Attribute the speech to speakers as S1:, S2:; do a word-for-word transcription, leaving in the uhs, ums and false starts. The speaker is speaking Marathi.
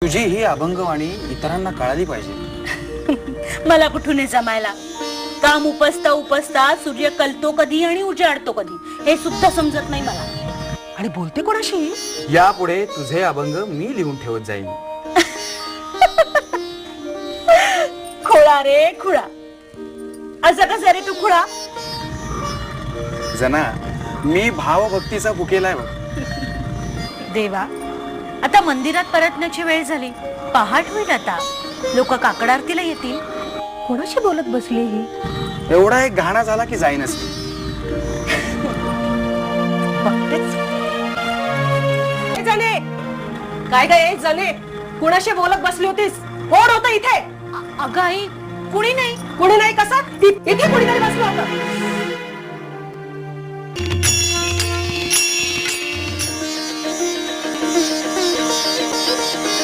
S1: तुझी ही अभंगवाणी इतरांना कळाली पाहिजे.
S2: मला कुठून हे जमायला. काम उपसता उपसता सूर्य कलतो कधी आणि उजाडतो कधी हे सुद्धा समजत नाही मला.
S3: आणि बोलते कोणाशी?
S1: यापुढे तुझे अभंग मी लिहून ठेवत जाईन.
S2: खुळा रे खुळा. असं कसं रे तू खुळा?
S1: जना, मी भावभक्तीचा भुकेलाय बघ.
S2: देवा, आता मंदिरात परतण्याची वेळ झाली. पहाट होईल आता. लोक काकड आरतीला येतील.
S3: कोणाशी बोलत बसली ही?
S1: एवढा एक घाणा झाला की जाईनच.
S2: बघतेच.
S3: जाणे काय काय जाणे कोणाशी बोलत बसली होतीस? कोण होतं इथे?
S2: अगं आई, कुणी नाही.
S3: कुणी नाही कसं? इथे कुणीतरी बसलं होतं.